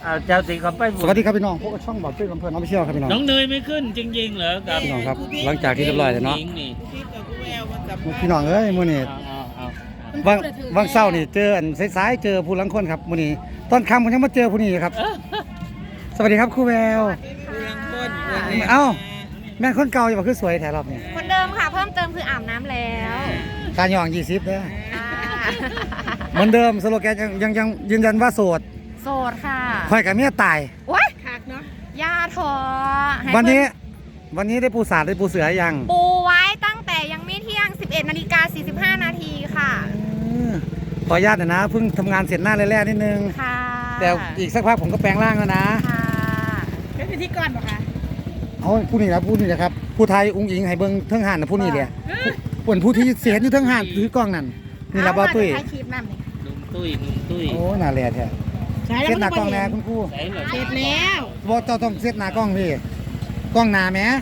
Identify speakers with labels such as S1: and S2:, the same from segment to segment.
S1: เจ้าสิเขาไป
S2: สวัสดีครับพี่น้องพวกช่องบอกชื่อลำเพลินน้องไปเชี่ยวครับพี่น้อง
S1: น้องเนยไม่ขึ้นจริงๆเหรอครับ
S2: พี่น้องครับหลังจากที่เรียบร้อยแล้วเนาะพี่น้องเอ้ยมื้อนี้บางเศร้านี่เจออันสายๆเจอผู้ลังคนครับมื้อนี้ตอนค่ำผมยังมาเจอผู้นี้ครับสวัสดีครับครูแววเอ้าแม่คนเก่าอย่าบอกคือสวยแถวรอบนี้
S3: คนเดิมค่ะเพิ่มเติมคืออาบน้ำแล้ว
S2: การย่อง20เด้อเหมือนเดิมสโลแกนยังยืนยันว่าโสด
S3: ค่ะ
S2: ค่อยกับเมียตาย
S3: โอ๊ยคักเนาะย่าทอ
S2: วันนี้ได้ปูสาดได้ปูเสือยัง
S3: ปูไว้ตั้งแต่ยังไม่เที่ยง 11:45 นาทีค่ะ
S2: ขออนุญาตนะเพิ่งทำงานเสร็จหน้าแรกๆนิดนึง
S3: ค่ะ
S2: แต่อีกสักพักผมก็แปลงร่างแล้วนะ
S3: ค่ะเป็นพิธีกรป่ะคะ
S2: เอาผู้นี้นะครับผู้ไทยอุ้งอิงให้เบิ้งเทิงห่านนะผู้นี้เลยส่วนผู้ที่เสียอยู่เทิงห่านถือกล้องนั่นนี่ละบ้าตุ้ย
S1: นุ่มตุ้ย
S2: โอ้หน้าแหล่แท้เซตหน้ากล้องแล้วคุณครู
S3: เสร็จแล้ว
S2: บอกเจ้าต้องเซตหน้ากล้องพี่กล้องหน้าแม่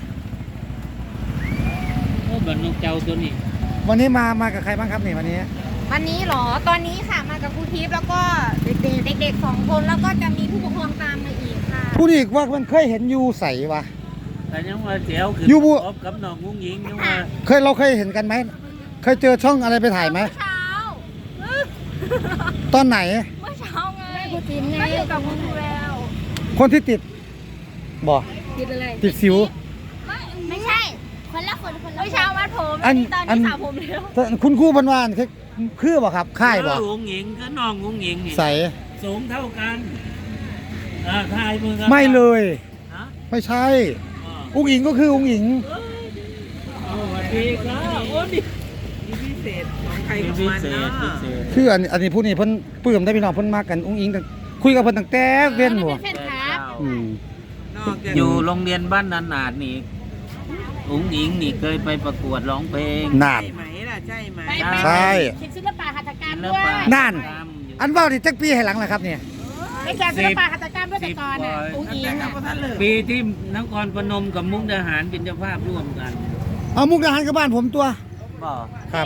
S1: โอ้บันนกเจ้าตัวนี้
S2: วันนี้มากับใครบ้างครับนี่วันนี้
S3: เหรอตอนนี้ค่ะมากับครูทิพย์แล้วก็เด็ก2 คนแล้วก็จะมีผู้ปกครองตามมาอีกค่ะ
S2: ผู้นี้ว่ามันเคยเห็นอยู่ใส่วะ
S1: แต่ยังว่าเจียวคือกับน้องงุ้งยิงยังว่า
S2: เราเคยเห็นกันไหมเคยเจอช่องอะไรไปถ่ายไหม
S3: เช้า
S2: ตอนไหน
S3: เมื่อเช้าไงครูทิพย์ไงกับครูแวว
S2: คนที่ติดบ่
S3: ติดอะไร
S2: ติดสิว
S3: ไม่ใช่คนละคนเมื่อเช้าวัดผมตอนนี้สาวผมแล้ว
S2: คุณครูพันวานคือบ่ครับค่ายบ่
S1: งุ้งยิงก็น้องงุ้งยิงนี่
S2: ใส่
S1: สูงเท่ากันถ่ายมือ
S2: ไม่เลยไม่ใช่อุ้งอิงก็คืออุ้งอิง
S1: สวัสดีครับโอ้ดิพิเศษของใครของมันนะ
S2: คืออันนี้ผู้นี้เพิ่นปลื้มได้พี่น้องเพิ่นมากันอุ้งอิงคุยกับเพิ่นตั้งแต่เว้นบ่
S1: อยู่โรงเรียนบ้านนานาดนี่อุ้งอิงนี่เคยไปประกวดร้องเพลง
S2: นาน
S3: ใช่ไหมล่ะใช่ไหม
S2: ใช่
S3: ศิลปะหัตถกรรมด้วย
S2: นั่นอันว่าดิจักปีให้หลังล่ะครับเนี่ย
S3: ไม่แข่งศิลปะหัตถกรรมด้วยแต่ก่อนน่ะอุ้งอิง
S1: ปีที่นครพนมกับมุกดาหารเป็นเจ้าภาพร่วมกัน
S2: เอามุกดาหารกับบ้านผมตัว
S1: บ่
S2: ครับ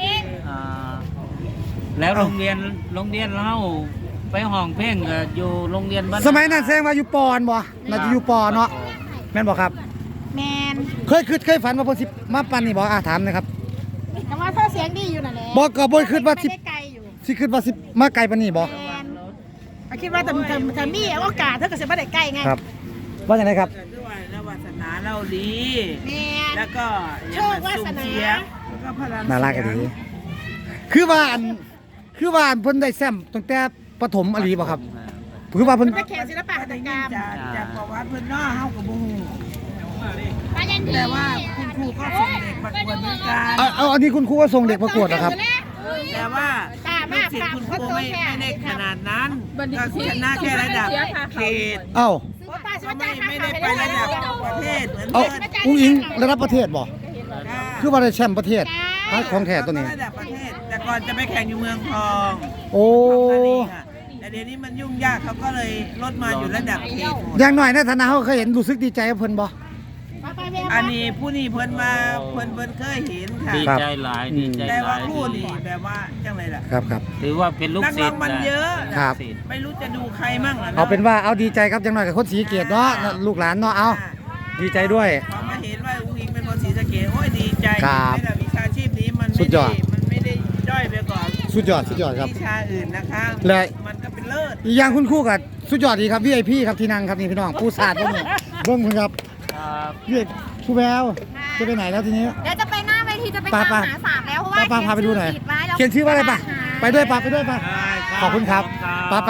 S1: แล้วโรงเรียนเราไปห้องเพลงอยู่โรงเรียนบ้าน
S2: สมัยนั้นแสดงว่าอยู่ปอนบ่น่าจะอยู่ปอเนาะแม่นบ่ครับ
S3: แมน
S2: เคยฝันว่าเพิ่นสิมาปั่นนี่บ่ถามนะครับ
S3: แต่ว่าเธอเสียงดีอยู่น่ะแหละ
S2: บ่ก็บ่คิดว่าสิคิดว่าสิมาไกลปานนี้บ่
S3: คิดว่าแต่มีโอกาสเธอก็สิบ่ได้ใกล้ไง
S2: ครับว่าจังได๋ครับ
S1: ด้วยแล้ววาสนาเราดีแล้วก็
S3: โชควาสนา
S1: แล้วก็พลัง
S2: น่ารักดีคือว่าเพิ่นได้แซมตั้งแต่ประถมอลีบ่ครับคือว่าเพิ่น
S3: แข่งศิลปะหัตถกรรม
S1: จากประวัติเพิ่นเนาะเฮาก็บ่ฮู้
S3: แต่
S1: ว่าคุณครูก็ส่งเด็กประกวดเหมือนกัน
S2: อันนี้คุณครูก็ส่งเด็กประกวดเหรอครับ
S1: แต่ว่าลูกศิษย์คุณครูไม่ได้ขนาดนั้นก็ชนะแค่ระดับเขตไม่ได้ไประดับประเทศเหมือน
S2: อุ้งอิงระดับประเทศบ่คือว่าได้แชมป์ประเทศของแท้ตัวนี้
S1: ระดับประเทศแต่ก่อนจะไปแข่งอยู่เมืองทอง
S2: โอ้
S1: แต่เดี๋ยวนี้มันยุ่งยากเขาก็เลยลดมาอยู่ระดับเขต
S2: อย่างหน่อยในฐานะเขาเคยเห็นรู้สึกดีใจกับเพิ่นบ่
S1: อันนี้ผู้นี้เพิ่นมาเพิ่นเคยเห็นค่ะดีใจหลายดีใจหลายแต่ว่าผู้นี้แบบว่าจังไรล่ะ
S2: ครับ
S1: ถือว่าเป็นลูกศิษย์
S2: มัน
S1: เยอะ
S2: ครับ
S1: ไม่รู้จะดูใครมั่ง
S2: เอาเป็นว่าเอาดีใจครับจังหน่อยกับคนศรีสะเกษเนาะลูกหลานเนาะเอาดีใจด้วย
S1: พอมาเห็นว่าอุ้งอิงเป็นคนศรีสะเกษโอ้ยดีใจ
S2: ไม่
S1: ได้วิชาชีพนี้มัน
S2: สุดยอด
S1: มันไม่ได้ด้อยไปก่อน
S2: สุดยอดครับ
S1: วิชาอื่นนะคะมันก็เป็นเลิศ
S2: อีกอย่างคุณครูกับสุดยอดดีครับ VIP ครับที่นั่งครับนี่พี่น้องผู้ศาสตร์เบิ่งคุณครับพี่ครูแววจะไปไหนแล้วทีนี้
S3: เดี๋ยวจะไปหน้าเวทีจะไปตามหาสามแล้วเพราะว่า
S2: พาไปดูหน่อยเขียนชื่อว่าอะไรป่ะไปด้วยป่ะขอบคุณครับไป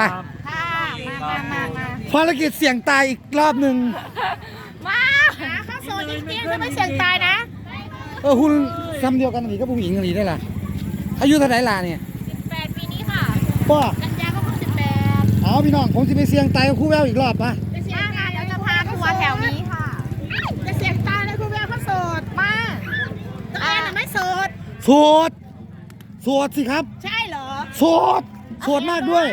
S2: ภารกิจเสี่ยงตายอีกรอบหนึ่ง
S3: มาข้าโซนจริงๆจะไม่เสี่ยงตายนะ
S2: คุณซ้ำเดียวกันหรือก็ผู้หญิงหรือได้ล่ะอายุเท่าไหร่ล่ะเนี่ย
S3: 18 ปีนี้ค่ะ
S2: ป้า
S3: กันยาก็เพิ่ง18
S2: อ๋อพี่น้องผมจะไปเสี่ยงตายกับครูแววอีกรอบป่ะ
S3: ไปเสี่ยงงานแล้วจะพาทัวร์แถวนี้ค่ะจะเสี่ยงตายเลยครูแววเขาโสดมาตัวเองน่ะไม่โสด
S2: สิครับ
S3: ใช่เหรอ
S2: โสดมากด้วย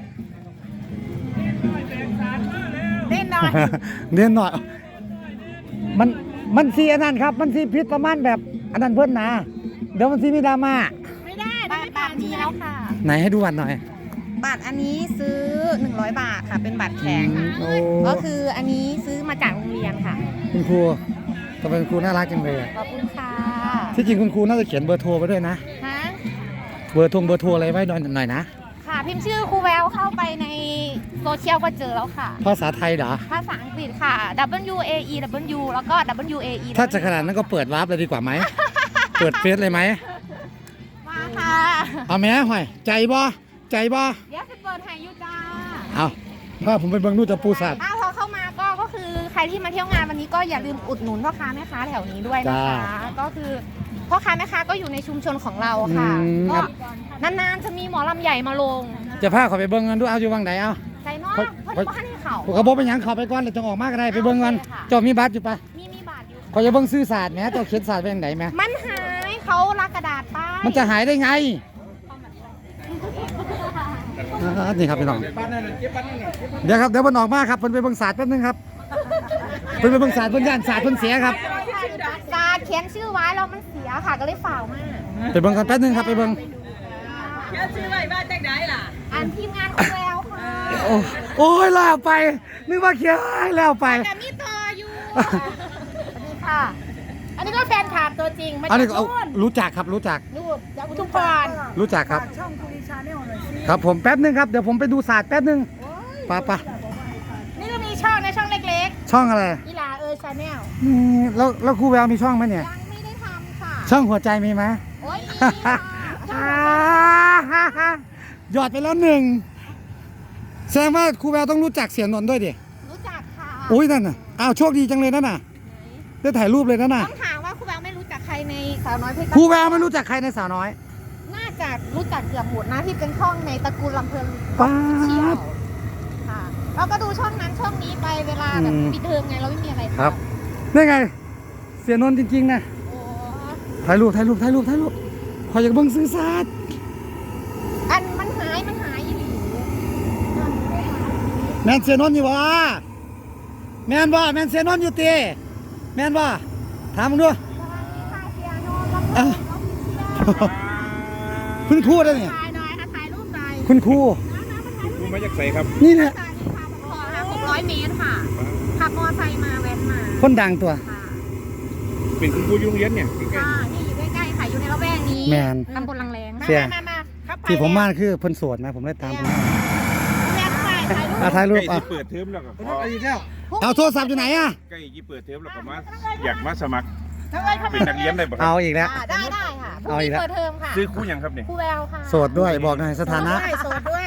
S3: เล่นห
S2: น่อยมันซีอันนั้นครับมันซีพิษประมาณแบบอันนั้นเพิ่นนะเดี๋ยวมันซีมีดราม่า
S3: ไม่ได้ไม่ผ่านนี้แล้วค่ะ
S2: ไหนให้ดูวันหน่อย
S3: บัตรอันนี้ซื้อ100 บาทค่ะเป็นบัตรแข็ง
S2: โอ้
S3: ก็คืออันนี้ซื้อมาจากโรงเรียนค่ะ
S2: คุณครูทำไมคุณครูน่ารักจังเลยอะ
S3: ขอบคุณค่ะ
S2: ที่จริงคุณครูน่าจะเขียนเบอร์โทรไปด้วยนะ
S3: ฮะ
S2: เบอร์โทรอะไรไว้หน่อยนะ
S3: ค่ะพิมพ์ชื่อครูแววเข้าไปในโซเชียลก็เจอแล้วค่ะ
S2: ภาษาไทยเหรอ
S3: ภาษาอังกฤษค่ะ W A E W แล้วก็ W A E
S2: ถ้าจะขนาดนั้นก็เปิดวาร์ปเลยดีกว่าไหม เปิดเฟซเลยไหม
S3: มาค่ะ
S2: เอาแม่ห่อยใจบ่
S3: เดี๋ยวจะเปิดให้ยูจ้า
S2: เอาถ้าผมไปเบิ่งนู่นจะปูสัตว์
S3: พอเข้ามาก็คือใครที่มาเที่ยวงานวันนี้ก็อย่าลืมอุดหนุนพ่อค้าแม่ค้าแถวนี้ด้วยนะคะ ก็คือพ่อค้าแม่ค้าก็อยู่ในชุมชนของเราค่ะก็นานๆจะมีหมอลำใหญ่มาลง
S2: จะพาเขาไปเบิ่งกันดูเอาอยู่วังไหนเอา
S3: ใจน้อยเพิ่นบ่ให้เขา
S2: ผมก็บอกไปหยังเขาไปก่อนเลยจังออกมาก็ได้ไปเบิ่งกันเจ้ามีบัตรอยู่ปะ
S3: มีบาทอยู่
S2: เขาจะเบิ่งซื้อศาสตร์แหมเจ้าเขียนศาสตร์ไปทางไหนแหม
S3: มันหายเขาลักกระดาษป้าย
S2: มันจะหายได้ไงนี่ครับพี่น้องเดี๋ยวครับเดี๋ยวมันออกมาครับเพิ่นไปเบิ่งศาสตร์แป๊บนึงครับเพิ่นไปเบิ่งศาสตร์เพิ่นย่านศาสตร์เพิ่นเสียครับ
S3: การเขียนชื่อไว้แล้วมันเสียค่ะก็เลยฝ่าวมา
S2: ไปเบิ่งกันแป๊บนึงครับไปเบิ่ง
S4: เขียนชื่อไว้บ้านจังไดล่ะ
S3: อ่านทีมงานของแล้วค่ะ
S2: โอ้ยแล้วไปนึกว่าเขียนแล้วไป
S3: แต่มีต่ออยู่สวัสดีค่ะ อันนี้ก็แฟนคลับตัวจริงมา
S2: อัน
S3: จาก
S2: นี้ก็เอา
S3: นู่น
S2: รู้จักครับรู้จัก
S3: รูปจากอุทุมพร
S2: รู้จักครับครับผมแป๊บนึงครับเดี๋ยวผมไปดูศาสตร์แป๊บนึงไป
S3: นี่ก็มีช่องนะช่องเล็ก
S2: ช่องอะไร
S3: ๆอีหลาชาแนล
S2: แล้วครูแววมีช่องไหมเนี่ย
S3: ยังไม่ได้ทำค่ะ
S2: ช่องหัวใจมีไหม
S3: โอ้ยมีค่ะ
S2: หยอดไปแล้วหนึ่งแสดงว่าครูแววต้องรู้จักเสียนนท์ด้วยดิ
S3: รู้จักค่ะ
S2: อุ้ยนั่นน่ะอ้าวโชคดีจังเลยนั่นน่ะได้ถ่ายรูปเลยนั่นน่ะ
S3: ต้องถามว่าครูแววไม่รู้จักใครในสาวน้อยเพชร
S2: ครูแววไม่รู้จักใครในสาวน้อย
S3: น่าจะรู้จักเกือบหมดนะที่เป็นช่องในตระกูลลำเพลิน
S2: ป๊า
S3: เชี่ยว
S2: บ
S3: ค่ะเราก็ดูช่องนั้นช่องนี้ไปเวลาแบบปิดเทอมไงเราไม่มีอะไรทำ
S2: ครับนี่ไง เสียนนท์จริงๆนะ
S3: โอ้
S2: ถ่ายรูปขออยากเบิ่งซื้อศาสตร์
S3: อันมันหายอีหลี
S2: แมนเสียนนท์อยู่บ่แมนบ่แมนเสียนนท์อยู่ตีแมนบ่ถามมึงดู
S3: สวัสดีค่ะเสียโนลำเพลิ
S2: อ่ะ
S3: นเราเที่ยว
S2: คุณครูได้เนี่ย
S3: ถ่ายหน่อยค่ะถ่ายรูปหน่อย
S2: คุณครู
S1: กูมาจากใส่ครับ
S2: นี่เนี่ย
S3: ขอค่ะ600 เมตรค่ะขับมอไซค์มาแว้นมา
S2: คนดังตัว
S3: ค่ะ
S1: เป็นคุณครูยุ่งเย็นเนี่ย
S3: ค่ะนี่อยู่ใกล้ๆค่ะอยู่ในละแวกนี้
S2: แมน
S3: ตำบลลังแรง
S2: เสีย
S3: มาครับ
S2: ที่ผมมาคือเพิ่นโสดนะผมเลยตามเพิ่น
S3: แม่ถ่ายรูป
S2: ถ่ายรูป
S1: ใกล้
S2: อ่ะ
S1: ที่เปิดเทอมแล้วก็ขอ
S2: เอาโทรศัพท์อยู่ไหนอ่ะ
S1: ใกล้ที่เปิดเทอมแล้วก็มาอยากมาสมัคร
S3: น้องเอ๋ยเข้า
S1: เป็
S3: มาน
S1: นักเรียนได้บ่ค
S2: เอา
S1: รับ
S2: อีกแล้ว
S3: ได้ค่ะพรุ่ง
S2: เอาอี
S3: นี้
S2: กแล้ว
S3: เปิดเทอมค่ะ
S1: ซื้อคู่ยังครับเนี่ย
S3: ครูแววค่ะ
S2: โสดด้วยบอกหน่อยสถานะ
S3: โสดด้วย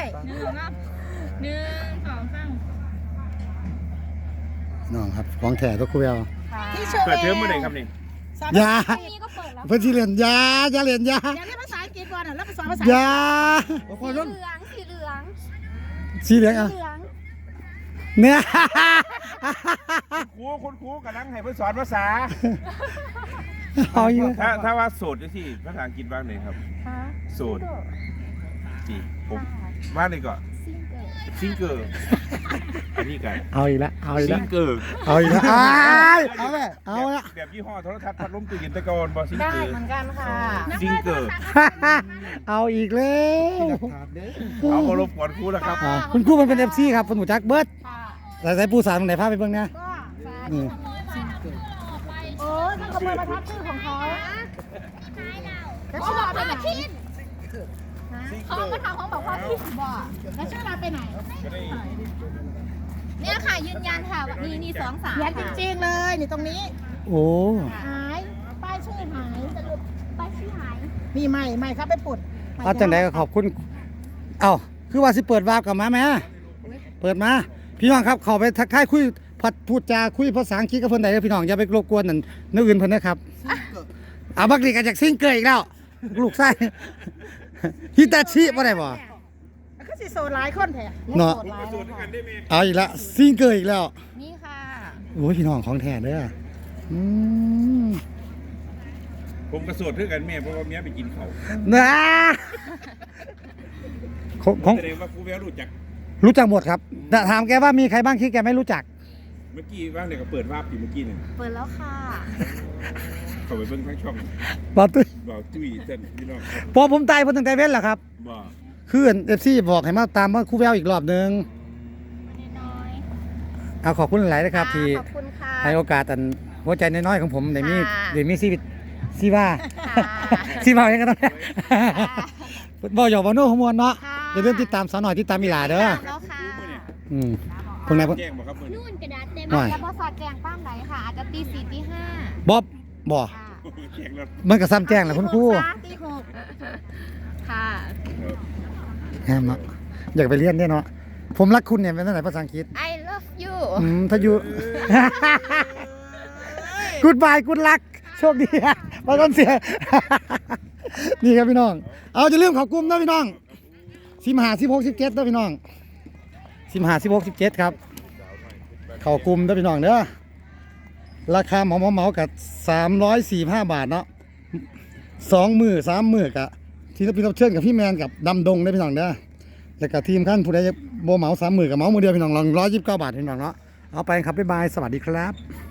S2: น้องครับของแท้ตัวครูแวว
S3: ที่โชว์
S1: เปิดเทอมเมื่อไหร่ครับนี่
S2: อย่า
S3: พรุ่งนี้ก็เปิดแล้ว
S2: เพิ่นสิเรียนอย่าเรียนอย่า
S3: อย่าเรียกภาษาอังกฤษก่อนแล้วภาษาภาษา
S2: อย่า
S3: สีเหลือง
S2: สีเหลืองอ่ะ
S3: เหลือง
S2: เนี่ย
S1: คุณครูกำลังให้เพิ่นสอนภาษา
S2: เอาอยู่
S1: ถ้าว่าโสดที่ภาษาอังกฤษบ้างเลยครับ
S3: ค่ะ
S1: โสดจีผมบ้านเลยก็ซิงเกอร์อันนี้กัน
S2: เอาอีกแล้วเอาอีก
S1: ซิ
S2: แล้ว
S1: งเกอร์
S2: เอาอีกแล้วเอาแม่เอาละ
S1: แบบยี่ห้อโทรทัศน์พัดลมตู้เย็นตะกอนบอซิง
S3: ได้
S1: เกอร์
S3: เหมือนกันค่ะ
S1: ซิงเกอร์
S2: เอาอีกแล้ว
S1: เอามารบกวนครูแล้วครับ
S2: คุณครูมันเป็น FC ครับคุณหมูจักเบิร์ด
S3: ค่ะ
S2: ใส่ปูสารตรงไหนพาไปเบิ่งนะ
S3: ก็
S2: นี่
S3: โอ้ยมันขโมยประทับชื่อของเขาแล้วชื่อเราไปไหนเขามาทำของบอกว่าพี่บอกแล้วชื่อเราไปไหน เนี่ยค่ะยืนยันค่ะว่านี่2 3เขียนจริงๆเลยนี่ตรงนี้
S2: โอ้
S3: หายป้ายชื่อหายสรุปป้ายชื่อหายมีใหม่ครับไปปุด
S2: เอาจังไดก็ขอบคุณเอ้าคือว่าสิเปิดวาร์ปกลับมาแม่เปิดมาพี่น้องครับเข้าไปทักทายคุยพัดพูดจาคุยภาษาอังกฤษกับเพิ่นได้เด้อพี่น้องอย่าไปรบกวนนั่นนึกอื่นเพิ่นนะครับเอาบักลีกันจากซิงเกิลอีกแล้วลูกไส้ฮิตาชิบ่ได้บ่
S3: ก็สิโซนหลายคนแท้
S2: เนาะ
S3: โซนหลายเลยค่ะ
S2: เอาอีกแล้วซิงเกิลอีกแล้ว
S3: นี่ค่ะ
S2: โอ้ยพี่น้องของแท้เด้ออืม
S1: ผมกระโสดเท่ากันแม่เพราะว่าเมียไปกินเขา
S2: นะของ
S1: แสดงว่าครูแววรู้จัก
S2: รู้จักหมดครับแต่ถามแกว่ามีใครบ้างที่แกไม่รู้จัก
S1: เมื่อกี้ว่างเนี่ยก็เปิดภาพอยู่เมื่อกี้เนี่ย
S3: เปิดแล้วค่ะ
S1: เข้าไปเบิ่งทั้งช่อง
S2: บอกตุ้ย
S1: บอกจุ้ยเส้นพี่น้องครับ
S2: พอผมตายเพิ่นตั้งแต่เว้นแหละครับ
S1: บอก
S2: คือFC บอกให้มาตามว่าครูแววอีกรอบนึงเอาขอบคุณหลายๆนะครับที่
S3: ขอบคุณค่ะ
S2: ให้โอกาสอันหัวใจน้อยๆของผมได้มี
S3: ค่ะ
S2: ได้มีชีวิตซีว่า
S3: ค่ะ
S2: ซีว่าอย่างกันต้องบอกหยอกบอกโน้ขมวลเนาะ
S3: ค่ะ
S2: อย่าลืมติดตามสาวหน่อยติดตามอีหลาเด้อ
S3: ตามแล้วค่ะ
S2: พวกนายพวก
S3: นู่นกระดาษเต็ม
S2: หน่อย
S3: แล้วพอสอดแจงป้ามไหนค่ะ อาจจะตี 4 ตี 5
S2: บ๊อบบ่
S3: ค่ะ
S2: มันก็ซ้ำแจ้งแหละคุณครู
S3: ตี 6ค่ะ
S2: แฮมเนาะอยากไปเรียนด้วยเนาะผมรักคุณเนี่ยเป็นตั้งแต่ภาษาอังกฤษ
S3: I love you
S2: ถ้าอยู่ กูดบายกูดลักโชคดีอะไปก่อนเสีย นี่ครับพี่น้อง เอาจะเริ่มเขากลุ่มนะพี่น้อง15 16 17นะพี่น้อง15 16 17ครับเขากลุ่มนะพี่น้องเด้อราคาเหมากับ345 บาทเนาะ2 มื้อ3 มื้อกับที่เราเชิญกับพี่แมนกับดำดงนะพี่น้องเด้อแล้วก็ทีมขั้นผู้ใดโบเหมา3 มื้อกับเหมามือเดียวพี่น้องลอง129 บาทพี่น้องเนาะเอาไปครับบ๊ายบายสวัสดีครับ